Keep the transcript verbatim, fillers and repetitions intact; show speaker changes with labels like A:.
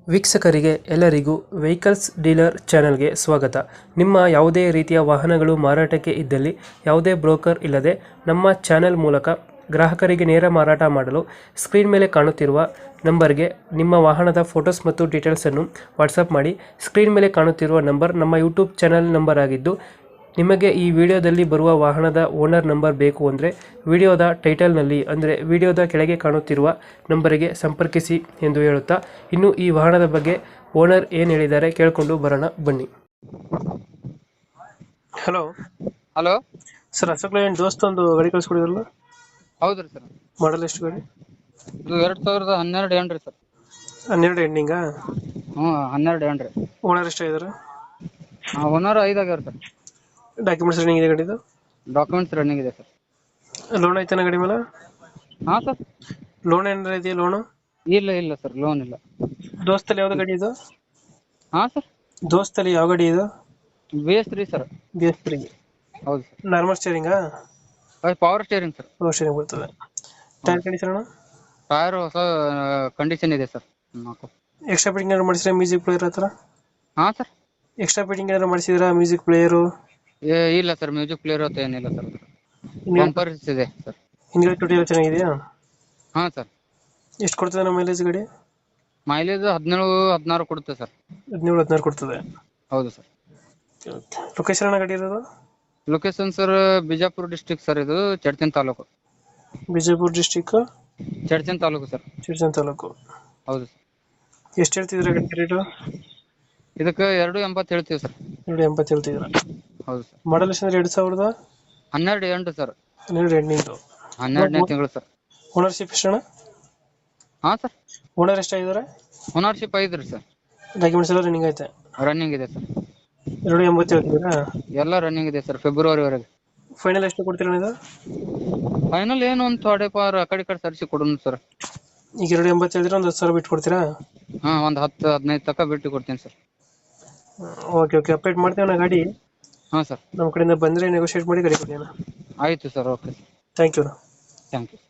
A: ವೀಕ್ಷಕರಿಗೆ ಎಲ್ಲರಿಗೂ vehicles dealer ಚಾನೆಲ್ಗೆ ಸ್ವಾಗತ. ನಿಮ್ಮ ಯಾವುದೇ ರೀತಿಯ ವಾಹನಗಳು ಮಾರಾಟಕ್ಕೆ ಇದ್ದಲ್ಲಿ ಯಾವುದೇ ಬ್ರೋಕರ್ ಇಲ್ಲದೆ ನಮ್ಮ ಚಾನೆಲ್ ಮೂಲಕ ಗ್ರಾಹಕರಿಗೆ ನೇರ ಮಾರಾಟ ಮಾಡಲು ಸ್ಕ್ರೀನ್ ಮೇಲೆ ಕಾಣುತ್ತಿರುವ ನಂಬರ್ಗೆ ನಿಮ್ಮ ವಾಹನದ ಫೋಟೋಸ್ ಮತ್ತು ಡೀಟೇಲ್ಸನ್ನು ವಾಟ್ಸಪ್ ಮಾಡಿ. ಸ್ಕ್ರೀನ್ ಮೇಲೆ ಕಾಣುತ್ತಿರುವ ನಂಬರ್ ನಮ್ಮ ಯೂಟ್ಯೂಬ್ ಚಾನೆಲ್ ನಂಬರ್ ಆಗಿದ್ದು, ನಿಮಗೆ ಈ ವಿಡಿಯೋದಲ್ಲಿ ಬರುವ ವಾಹನದ ಓನರ್ ನಂಬರ್ ಬೇಕು ಅಂದರೆ ವಿಡಿಯೋದ ಟೈಟಲ್ನಲ್ಲಿ ಅಂದರೆ ವಿಡಿಯೋದ ಕೆಳಗೆ ಕಾಣುತ್ತಿರುವ ನಂಬರಿಗೆ ಸಂಪರ್ಕಿಸಿ ಎಂದು ಹೇಳುತ್ತಾ, ಇನ್ನು ಈ ವಾಹನದ ಬಗ್ಗೆ ಓನರ್ ಏನು ಹೇಳಿದ್ದಾರೆ ಕೇಳಿಕೊಂಡು ಬರೋಣ ಬನ್ನಿ. Hello
B: hello
A: sir, Ashok Leyland Dost ಒಂದು ಗಾಡಿ ಕಳಿಸ್ಕೊಡಿದ್ರಲ್ಲ,
B: ಹೌದ್ರಿ ಸರ್.
A: ಮಾಡಲ್ ಎಷ್ಟು ಗಾಡಿ?
B: ಇದು ಎರಡ್ ಸಾವಿರದ ಹನ್ನೆರಡು ಏನ್ರಿ ಸರ್?
A: ಹನ್ನೆರಡು ಎಂಡಿಂಗಾ?
B: ಹ್ಞೂ ಹನ್ನೆರಡು ಏನ್ರಿ.
A: ಓನರ್ ಎಷ್ಟಾಗಿದ್ದಾರೆ?
B: ಒನ್ನೂರ ಐದು ಆಗ್ಯಾರ ಸರ್.
A: ಡಾಕ್ಯುಮೆಂಟ್ಸ್ ರನ್ನಿಂಗ್ ಇದೆ ಗಾಡಿದು?
B: ಡಾಕ್ಯುಮೆಂಟ್ಸ್ ರನ್ನಿಂಗ್ ಇದೆ ಸರ್.
A: ಲೋನ್ ಐತನ ಗಾಡಿ ಮೇಲೆ?
B: ಹಾ ಸರ್.
A: ಲೋನ್ ಏನಾರ ಇದೆಯಾ? ಲೋನು
B: ಇಲ್ಲ ಇಲ್ಲ ಸರ್, ಲೋನ್ ಇಲ್ಲ.
A: ದೋಸ್ತಲ್ಲಿ ಯಾವ್ದು ಗಾಡಿ ಇದು?
B: ಹಾ ಸರ್.
A: ದೋಸ್ತಲ್ಲಿ ಯಾವ ಗಾಡಿ ಇದು?
B: B S three sir.
A: B S three.
B: ಹೌದು ಸರ್.
A: ನಾರ್ಮಲ್ ಸ್ಟೇರಿಂಗಾ?
B: Power steering sir.
A: Power steering ಬರ್ತದೆ. ಟೈರ್ ಕಂಡೀಷನ್ ಅಣ್ಣ?
B: ಟೈರ್ ಹೊಸ ಕಂಡೀಷನ್ ಇದೆ ಸರ್. ನಾಲ್ಕು
A: ಎಕ್ಸ್ಟ್ರಾ ಫಿಟ್ಟಿಂಗ್ ಏನಾದ್ರು ಮಾಡಿಸಿದ್ರೆ ಮ್ಯೂಸಿಕ್ ಪ್ಲೇಯರ್ ಹತ್ರ?
B: ಹಾ ಸರ್.
A: ಎಕ್ಸ್ಟ್ರಾ ಫಿಟ್ಟಿಂಗ್ ಏನಾದ್ರು ಮಾಡಿಸಿದ್ರ ಮ್ಯೂಸಿಕ್ ಪ್ಲೇಯರು?
B: ಏ ಇಲ್ಲ ಸರ್, ಮ್ಯೂಸಿಕ್ ಪ್ಲೇಯರ್ ಅಂತ ಏನಿಲ್ಲ ಸರ್. ಬಂಪರ್ ಇದೆ ಸರ್.
A: ಹಿಂದ್ಗಡೆ ತುಟಿ ಎಲ್ಲ ಚೆನ್ನಾಗಿದೆಯಾ?
B: ಹಾ ಸರ್.
A: ಎಷ್ಟು ಕೊಡ್ತದೆ ನಮ್ಮ ಮೈಲೇಜ್ ಗಾಡಿ?
B: ಮೈಲೇಜ್ ಹದಿನೇಳು ಹದಿನಾರು ಕೊಡುತ್ತೆ ಸರ್.
A: ಹದಿನೇಳು ಹದಿನಾರು ಕೊಡ್ತದೆ.
B: ಹೌದು ಸರ್.
A: ಲೊಕೇಶನ್ ಅಣ್ಣ ಗಾಡಿ ಇರೋದು?
B: Location sir Bijapur district sir. ಇದು ಚಡ್ಚನ್ ತಾಲೂಕು.
A: Bijapur district
B: Chadchan taluka sir.
A: ಶಿರ್ಜನ್ ತಾಲೂಕು.
B: ಹೌದು ಸರ್.
A: ಎಷ್ಟು ಹೇಳ್ತಿದ್ರ ಗಾಡಿ ರೇಟು?
B: ಇದಕ್ಕೆ ಎರಡು ಎಂಬತ್ತು ಹೇಳ್ತೀವಿ ಸರ್.
A: ಎರಡು ಎಂಬತ್ತು ಹೇಳ್ತಿದ್ರ?
B: ಹೌದು ಸರ್.
A: ಮಾಡಲ್ ಎಷ್ಟು ಅಂದ್ರೆ ಎರಡು ಸಾವಿರದ
B: ಹನ್ನೆರಡು ಎಂಟು ಸರ್.
A: ಹನ್ನೆರಡು ಎಂಟು
B: ಹನ್ನೆರಡನೇ ತಿಂಗಳು ಸರ್.
A: ಓನರ್ಶಿಪ್ ಎಷ್ಟು ಅಣ್ಣ?
B: ಹಾ ಸರ್.
A: ಓನರ್ ಎಷ್ಟಾಗಿದ್ದಾರೆ?
B: ಓನರ್ಶಿಪ್ ಐದ್ರಿ ಸರ್.
A: ಡಾಕ್ಯುಮೆಂಟ್ಸ್ ಎಲ್ಲ ರನ್ನಿಂಗ್ ಐತೆ?
B: ರನ್ನಿಂಗ್ ಇದೆ ಸರ್.
A: ಎರಡು ಎಂಬತ್ತು ಹೇಳ್ತಿದ್ದೀರಾ?
B: ಎಲ್ಲ ರನ್ನಿಂಗ್ ಇದೆ ಸರ್, ಫೆಬ್ರವರಿವರೆಗೆ.
A: ಫೈನಲ್ ಎಷ್ಟು ಕೊಡ್ತೀರಾ ಇದು?
B: ಫೈನಲ್ ಏನು ಒಂದು ಥೋಡೆ ಪಾರ್ ಆ ಕಡೆ ಈ ಕಡೆ ಸರಿಸಿ ಕೊಡೋಣ ಸರ್.
A: ಈಗ ಎರಡು ಎಂಬತ್ತು ಹೇಳಿದ್ರೆ ಒಂದು ಹತ್ತು ಸಾವಿರ ಬಿಟ್ಟು ಕೊಡ್ತೀರಾ?
B: ಹಾ, ಒಂದು ಹತ್ತು ಹದಿನೈದು ತನಕ ಬಿಟ್ಟು ಕೊಡ್ತೀನಿ ಸರ್.
A: ಓಕೆ ಓಕೆ, ಅಪ್ಡೇಟ್ ಮಾಡ್ತೀವಿ ನಾ ಗಾಡಿ.
B: ಹಾ ಸರ್.
A: ನಮ್ಮ ಕಡೆಯಿಂದ ಬಂದರೆ ನೆಗೋಷಿಯೇಟ್ ಮಾಡಿ ಗಾಡಿ ಕೊಡಿ ಅಣ್ಣ.
B: ಆಯಿತು sir. Okay sir.
A: Thank you.
B: Thank you.